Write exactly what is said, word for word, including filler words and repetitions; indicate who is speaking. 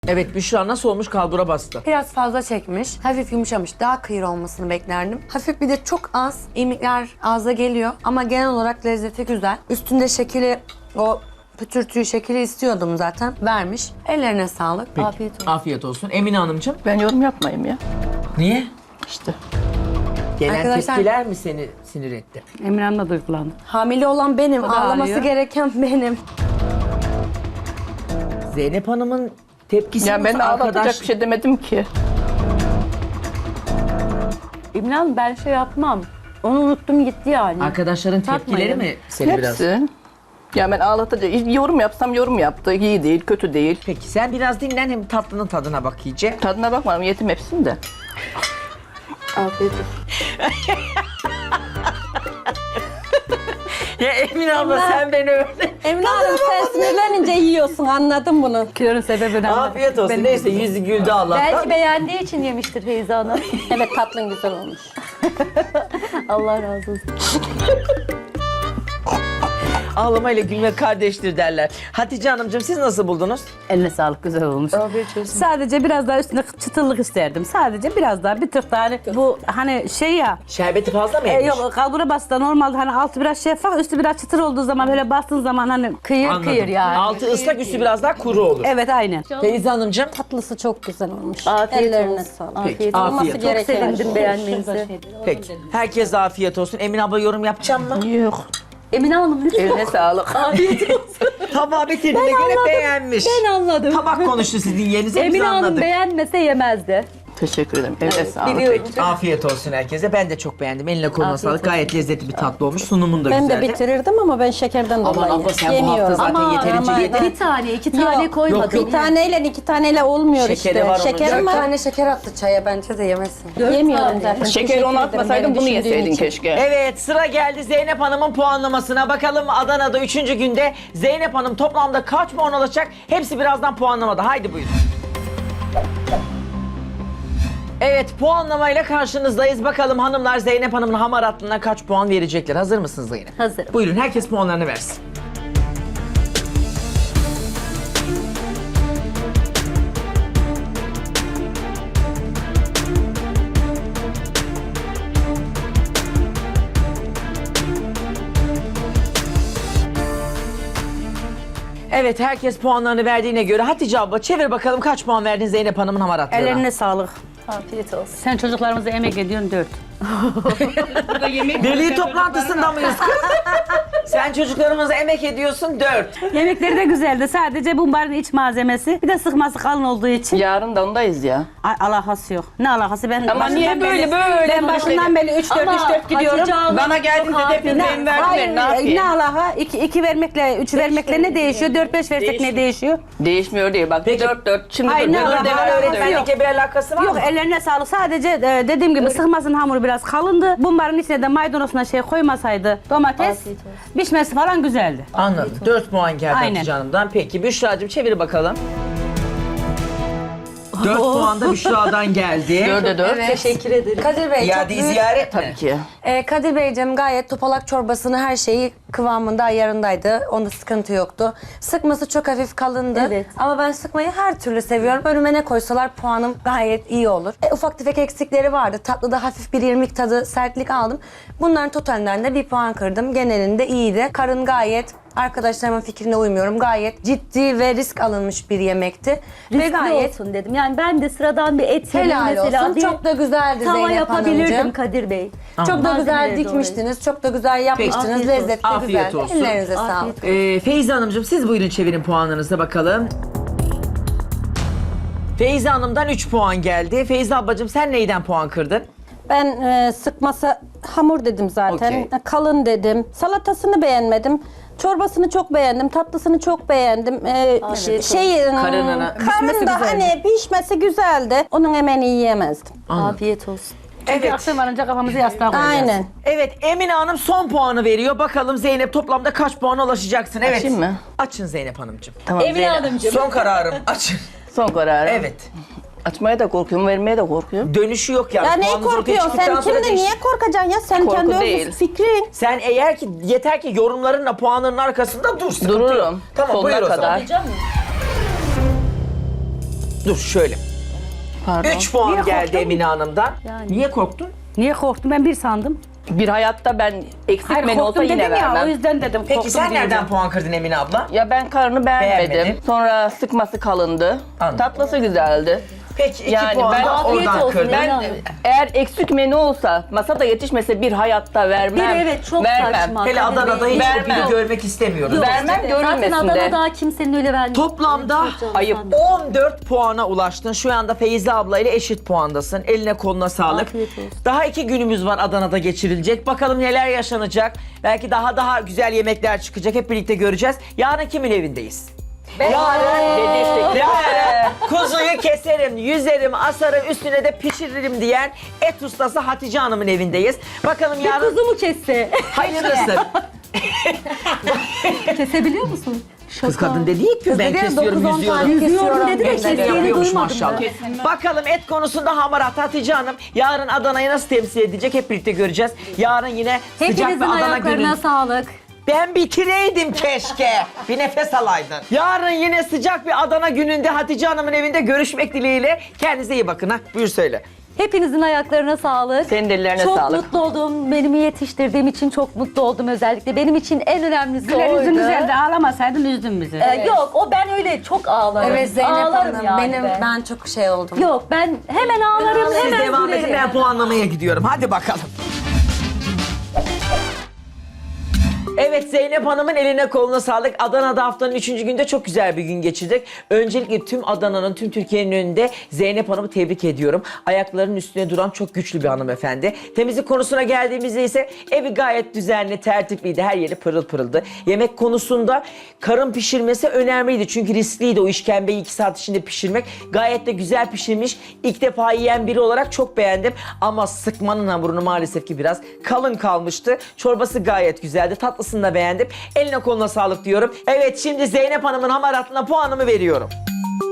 Speaker 1: Evet, Büşra nasıl olmuş, kalbura bastı.
Speaker 2: Biraz fazla çekmiş, hafif yumuşamış. Daha kıyır olmasını beklerdim. Hafif bir de çok az irmikler ağza geliyor ama genel olarak lezzeti güzel. Üstünde şekeri, o pütürtüyü, şekeri istiyordum zaten. Vermiş. Ellerine sağlık.
Speaker 1: Peki,
Speaker 2: Afiyet olsun.
Speaker 1: Afiyet olsun. Emine Hanımcığım.
Speaker 3: Ben yorum yapmayayım ya.
Speaker 1: Niye?
Speaker 3: İşte.
Speaker 1: Gelen
Speaker 2: Arkadaşlar-
Speaker 1: tepkiler mi seni sinir etti?
Speaker 4: Emine Hanım da duygulandı.
Speaker 2: Hamile olan benim,
Speaker 4: O da
Speaker 2: ağlaması
Speaker 4: ağlıyor.
Speaker 2: gereken benim.
Speaker 1: Zeynep Hanım'ın tepkisi
Speaker 3: Ya ben
Speaker 1: yoksa
Speaker 3: de ağlatacak
Speaker 1: arkadaş...
Speaker 3: bir şey demedim ki.
Speaker 4: Emine Hanım ben şey yapmam. Onu unuttum gitti yani.
Speaker 1: Arkadaşların tepkileri
Speaker 4: Takmayın.
Speaker 1: mi seni biraz?
Speaker 3: Hepsi. Ya ben ağlatacak. Yorum yapsam yorum yaptı. İyi değil, kötü değil.
Speaker 1: Peki sen biraz dinlen, hem tatlının tadına bak iyice.
Speaker 3: Tadına bakmadım, yetim hepsini de.
Speaker 2: Afiyet olsun.
Speaker 1: Ya Emine abla sen beni öyle...
Speaker 5: Emine Hanım sen sinirlenince yiyorsun, anladım bunu.
Speaker 4: Kilonun sebebini anladım.
Speaker 1: Afiyet olsun.
Speaker 4: Benim-
Speaker 1: Neyse yüzü güldü Allah'tan.
Speaker 4: Belki beğendiği için yemiştir Feyza Hanım.
Speaker 5: Evet, tatlın güzel olmuş.
Speaker 4: Allah razı olsun.
Speaker 1: Ağlamayla gülmek kardeştir derler. Hatice Hanımcığım siz nasıl buldunuz?
Speaker 4: Eline sağlık, güzel olmuş. Sadece biraz daha üstüne çıtırlık isterdim. Sadece biraz daha bir tık daha hani bu hani şey ya.
Speaker 1: Şerbeti fazla mı
Speaker 4: E,
Speaker 1: yemiş?
Speaker 4: yok kalbura bastı normalde hani altı biraz şeffaf üstü biraz çıtır olduğu zaman böyle bastığın zaman hani kıyır
Speaker 1: Anladım.
Speaker 4: kıyır yani.
Speaker 1: Altı ıslak, üstü biraz daha kuru olur.
Speaker 4: Evet aynen.
Speaker 1: Feyza Hanımcığım.
Speaker 5: Tatlısı çok güzel olmuş.
Speaker 4: Afiyet
Speaker 5: Ellerine
Speaker 4: olsun.
Speaker 5: sağlık.
Speaker 4: Afiyet
Speaker 1: Afiyet
Speaker 5: Olması
Speaker 1: olsun.
Speaker 5: gereken
Speaker 4: Sevindim
Speaker 5: şey.
Speaker 4: beğenmenize.
Speaker 1: Peki. Herkese afiyet olsun. Emine abla yorum yapacak mı?
Speaker 3: Yok.
Speaker 4: Emine Hanım lütfen.
Speaker 3: Eline sağlık.
Speaker 1: Tabağı bitirdiğine göre beğenmiş.
Speaker 4: Ben anladım.
Speaker 1: Tabak konuştu sizin yerinize, biz
Speaker 4: Emine Hanım
Speaker 1: anladık.
Speaker 4: beğenmese yemezdi.
Speaker 3: Teşekkür ederim. Eline sağlık.
Speaker 4: Biliyorum.
Speaker 1: Afiyet olsun herkese. Ben de çok beğendim. Eline koluna sağlık. Gayet lezzetli bir tatlı olmuş. Sunumun da
Speaker 5: Ben de
Speaker 1: güzeldi.
Speaker 5: bitirirdim ama ben şekerden
Speaker 1: Aman
Speaker 5: dolayı
Speaker 1: abla sen bu
Speaker 5: yemiyorum.
Speaker 1: hafta zaten
Speaker 5: Ama-
Speaker 1: yeterince
Speaker 5: ama-
Speaker 1: yedin.
Speaker 4: Bir tane, iki tane
Speaker 5: Yok,
Speaker 4: koymadım.
Speaker 1: yok.
Speaker 5: Bir taneyle iki taneyle olmuyor
Speaker 1: Şekeri
Speaker 5: işte.
Speaker 1: var onun.
Speaker 5: Şeker
Speaker 2: Dört
Speaker 5: var.
Speaker 2: tane şeker attı çaya, bence de yemesin.
Speaker 5: Yemiyorum zaten.
Speaker 3: Şekeri
Speaker 5: Teşekkür
Speaker 3: onu
Speaker 5: ederim
Speaker 3: atmasaydın
Speaker 5: beni
Speaker 3: bunu
Speaker 5: düşündüğün
Speaker 3: yeseydin
Speaker 5: için.
Speaker 3: keşke.
Speaker 1: Evet, sıra geldi Zeynep Hanım'ın puanlamasına. Bakalım Adana'da üçüncü günde Zeynep Hanım toplamda kaç puan alacak? Hepsi birazdan puanlamada. Haydi buyurun. Evet, puanlamayla karşınızdayız. Bakalım hanımlar Zeynep Hanım'ın hamaratlığına kaç puan verecekler? Hazır mısınız Zeynep?
Speaker 4: Hazırım.
Speaker 1: Buyurun, herkes puanlarını versin. Evet, herkes puanlarını verdiğine göre Hatice abla çevir bakalım kaç puan verdin Zeynep Hanım'ın hamaratlığına?
Speaker 4: Ellerine sağlık.
Speaker 5: Afiyet olsun.
Speaker 4: Sen çocuklarımıza emek ediyorsun dört.
Speaker 1: Veli toplantısında mıyız kız? Sen çocuklarımıza emek ediyorsun dört.
Speaker 4: Yemekleri de güzeldi. Sadece bumbarın iç malzemesi. Bir de sıkması kalın olduğu için.
Speaker 3: Yarın da ondayız ya.
Speaker 4: Ay, alakası yok. Ne alakası? Ben
Speaker 3: Ama
Speaker 4: başından
Speaker 3: niye böyle,
Speaker 4: beri-
Speaker 3: böyle
Speaker 4: Ben başından beri üç dört üç dört gidiyorum.
Speaker 3: Bana geldiğinde de bir benim verdiler. Ne
Speaker 4: Ne
Speaker 3: yapayım?
Speaker 4: alaka? İki, iki vermekle, üç vermekle ne değişiyor? Dört beş versek ne değişiyor?
Speaker 3: Değişmiyor değil. Bak
Speaker 1: Peki.
Speaker 3: dört dört. Şimdi
Speaker 4: Ay,
Speaker 3: dur,
Speaker 4: ne
Speaker 3: dur,
Speaker 4: alaka?
Speaker 3: devam
Speaker 4: Öğretmenlik
Speaker 3: ediyor.
Speaker 1: Öğretmenlikle bir alakası var
Speaker 4: Yok
Speaker 1: mı?
Speaker 4: ellerine sağlık. Sadece e, dediğim gibi sıkmasının hamuru biraz kalındı. Bumbarın içine de maydanozuna şey koymasaydı domates pişmesi falan güzeldi.
Speaker 1: Anladım. dört puan geldi
Speaker 4: Aynen.
Speaker 1: Hatice Hanım'dan. Peki Büşra'cığım çevir bakalım. dört puan da Büşra'dan geldi.
Speaker 3: Dörde dört.
Speaker 2: Teşekkür ederim. Kadir Bey, çok
Speaker 1: İadeyi
Speaker 2: büyük...
Speaker 1: ziyaret mi?
Speaker 3: Tabii ki.
Speaker 2: Ee, Kadir Beyciğim gayet topalak çorbasını, her şeyi kıvamında, ayarındaydı. Onda sıkıntı yoktu. Sıkması çok hafif kalındı.
Speaker 4: Evet.
Speaker 2: Ama ben sıkmayı her türlü seviyorum. Önüme ne koysalar puanım gayet iyi olur. E, ufak tefek eksikleri vardı. Tatlıda hafif bir irmik tadı, sertlik aldım. Bunların totalinden de bir puan kırdım. Genelinde iyiydi. Karın gayet, arkadaşlarımın fikrine uymuyorum, gayet ciddi ve risk alınmış bir yemekti. ve
Speaker 4: Riskli
Speaker 2: gayet
Speaker 4: olsun dedim. Yani ben de sıradan bir et yemeği
Speaker 2: helal
Speaker 4: mesela
Speaker 2: olsun.
Speaker 4: bir
Speaker 2: Çok da güzeldi
Speaker 4: tava
Speaker 2: Zeynep
Speaker 4: yapabilirdim
Speaker 2: Hanımcığım.
Speaker 4: Kadir Bey.
Speaker 2: Çok da güzel
Speaker 4: Malzemeleri de
Speaker 2: dikmiştiniz, çok da güzel yapmıştınız.
Speaker 4: Afiyet olsun.
Speaker 2: Lezzetli,
Speaker 1: Afiyet
Speaker 2: güzel.
Speaker 1: olsun.
Speaker 2: Ellerinize
Speaker 4: Afiyet
Speaker 2: sağlık.
Speaker 1: Ee, Feyza Hanımcığım siz buyurun çevirin puanlarınıza bakalım. Feyza Hanım'dan üç puan geldi. Feyza ablacığım sen neyden puan kırdın?
Speaker 5: Ben e, sıkması hamur dedim zaten.
Speaker 1: Okey.
Speaker 5: Kalın dedim. Salatasını beğenmedim. Çorbasını çok beğendim. Tatlısını çok beğendim. Ee,
Speaker 4: Afiyet
Speaker 5: şey, ım,
Speaker 1: Karınını-
Speaker 5: karın
Speaker 4: Pişmesi
Speaker 5: da
Speaker 4: güzeldi.
Speaker 5: hani pişmesi güzeldi. Onun emeğini yiyemezdim.
Speaker 4: Afiyet olsun. Çünkü
Speaker 1: Evet.
Speaker 4: akşam varınca kafamızı yastığa koyacağız.
Speaker 5: Aynen.
Speaker 1: Evet, Emine Hanım son puanı veriyor. Bakalım Zeynep toplamda kaç puana ulaşacaksın? Evet.
Speaker 3: Açayım mı?
Speaker 1: Açın Zeynep Hanımcığım.
Speaker 3: Tamam.
Speaker 4: Emine
Speaker 3: Zeynep.
Speaker 4: Hanımcığım.
Speaker 1: Son kararım. Açın.
Speaker 3: Son kararı.
Speaker 1: Evet.
Speaker 3: Açmaya da korkuyorum, vermeye de korkuyorum.
Speaker 1: Dönüşü yok yani.
Speaker 5: Ya neye
Speaker 1: Puanınız ortaya
Speaker 5: korkuyorsun
Speaker 1: çıktıktan
Speaker 5: sen?
Speaker 1: sonra
Speaker 5: Kimde
Speaker 1: değiş-
Speaker 5: niye korkacaksın ya? Sen
Speaker 3: Korku
Speaker 5: kendi
Speaker 3: değil.
Speaker 5: öz fikrin.
Speaker 1: Sen eğer ki yeter ki yorumlarınla puanların arkasında dur. Sıkıntı
Speaker 3: Dururum.
Speaker 1: yok. Tamam
Speaker 3: Sonuna
Speaker 1: buyur o zaman.
Speaker 3: kadar.
Speaker 1: Dur şöyle.
Speaker 3: Pardon.
Speaker 1: üç puan
Speaker 4: Niye
Speaker 1: geldi
Speaker 4: korktun?
Speaker 1: Emine Hanım'dan.
Speaker 4: Yani.
Speaker 1: Niye korktun?
Speaker 4: Niye korktum? Ben bir sandım.
Speaker 3: Bir hayatta ben eksik
Speaker 4: Hayır
Speaker 3: menü olsa
Speaker 4: korktum
Speaker 3: yine
Speaker 4: dedim ya,
Speaker 3: vermem.
Speaker 4: o yüzden dedim.
Speaker 1: Peki
Speaker 4: korktum
Speaker 1: sen
Speaker 4: deyince.
Speaker 1: nereden puan kırdın Emine abla?
Speaker 3: Ya ben karnını beğenmedim.
Speaker 1: Beğenmedin.
Speaker 3: Sonra sıkması kalındı.
Speaker 1: Anladım.
Speaker 3: Tatlısı güzeldi.
Speaker 1: Peki iki
Speaker 3: Yani
Speaker 1: puan
Speaker 3: ben-
Speaker 1: da
Speaker 5: Afiyet
Speaker 1: oradan
Speaker 5: olsun,
Speaker 1: kırdın.
Speaker 5: ben-
Speaker 3: Ben eğer eksik menü olsa, masada yetişmese bir hayatta vermem.
Speaker 5: Bir evet çok
Speaker 3: vermem.
Speaker 5: saçma.
Speaker 1: Hele
Speaker 5: Kadir
Speaker 1: Adana'da
Speaker 5: Bey.
Speaker 1: hiç o
Speaker 3: Vermem.
Speaker 1: günü görmek istemiyoruz.
Speaker 5: Yok,
Speaker 3: Vermem,
Speaker 5: işte,
Speaker 3: görünmesin
Speaker 5: Zaten
Speaker 3: de.
Speaker 5: Adana'da kimsenin öyle vermeyeceği.
Speaker 1: Toplamda
Speaker 3: ayıp.
Speaker 1: on dört puana ulaştın. Şu anda Feyzi abla ile eşit puandasın. Eline koluna sağlık.
Speaker 5: Afiyet olsun.
Speaker 1: Daha iki günümüz var Adana'da geçirilecek. Bakalım neler yaşanacak. Belki daha daha güzel yemekler çıkacak. Hep birlikte göreceğiz. Yarın kimin evindeyiz? Yarın
Speaker 3: Dedi işte.
Speaker 1: Yarın kuzuyu keserim, yüzerim, asarım, üstüne de pişiririm diyen et ustası Hatice Hanım'ın evindeyiz. Bakalım yarın
Speaker 5: Kuzu mu kesse?
Speaker 1: hayırlısı.
Speaker 5: Kesebiliyor musun?
Speaker 1: Kız kadın dedi ki ben
Speaker 2: dedi ya,
Speaker 1: kesiyorum,
Speaker 2: dokuz on
Speaker 1: yüzüyorum.
Speaker 2: tane
Speaker 5: Yüzüyorum dedi de
Speaker 2: Ben de
Speaker 5: kestiğini
Speaker 1: Yapıyormuş
Speaker 5: duymadım
Speaker 1: maşallah.
Speaker 5: ben.
Speaker 1: Bakalım et konusunda hamarat Hatice Hanım yarın Adana'yı nasıl temsil edecek hep birlikte göreceğiz. Yarın yine sıcak bir
Speaker 5: Hepinizin
Speaker 1: Adana
Speaker 5: ayaklarına
Speaker 1: günü.
Speaker 5: sağlık.
Speaker 1: Ben bitireydim keşke. Bir nefes alaydın. Yarın yine sıcak bir Adana gününde Hatice Hanım'ın evinde görüşmek dileğiyle. Kendinize iyi bakın ha. Buyur söyle.
Speaker 5: Hepinizin ayaklarına sağlık.
Speaker 3: Senin de ellerine
Speaker 5: çok
Speaker 3: sağlık.
Speaker 5: mutlu oldum. Benimi yetiştirdiğim için çok mutlu oldum özellikle. Benim için en önemlisi
Speaker 4: Güler
Speaker 5: oydu.
Speaker 4: yüzün güzeldi, ağlamasaydın üzdün bizi.
Speaker 5: Ee, Yok o ben öyle çok ağlarım.
Speaker 2: Evet Zeynep
Speaker 5: ağlarım
Speaker 2: Hanım,
Speaker 5: yani
Speaker 2: benim
Speaker 5: ben.
Speaker 2: ben çok şey oldum.
Speaker 5: Yok ben hemen ağlarım
Speaker 1: Siz
Speaker 5: hemen
Speaker 1: devam edin,
Speaker 5: gülerim.
Speaker 1: ben puanlamaya gidiyorum. Hadi bakalım. Evet, Zeynep Hanım'ın eline koluna sağlık. Adana'da haftanın üçüncü günde çok güzel bir gün geçirdik. Öncelikle tüm Adana'nın, tüm Türkiye'nin önünde Zeynep Hanım'ı tebrik ediyorum. Ayaklarının üstüne duran çok güçlü bir hanımefendi. Temizlik konusuna geldiğimizde ise evi gayet düzenli, tertipliydi. Her yeri pırıl pırıldı. Yemek konusunda karın pişirmesi önemliydi. Çünkü riskliydi o işkembeyi iki saat içinde pişirmek. Gayet de güzel pişirmiş. İlk defa yiyen biri olarak çok beğendim. Ama sıkmanın hamurunu maalesef ki biraz kalın kalmıştı. Çorbası gayet güzeldi. Tatlısını da beğendim. Eline koluna sağlık diyorum. Evet, şimdi Zeynep Hanım'ın hamaratlığına puanımı veriyorum.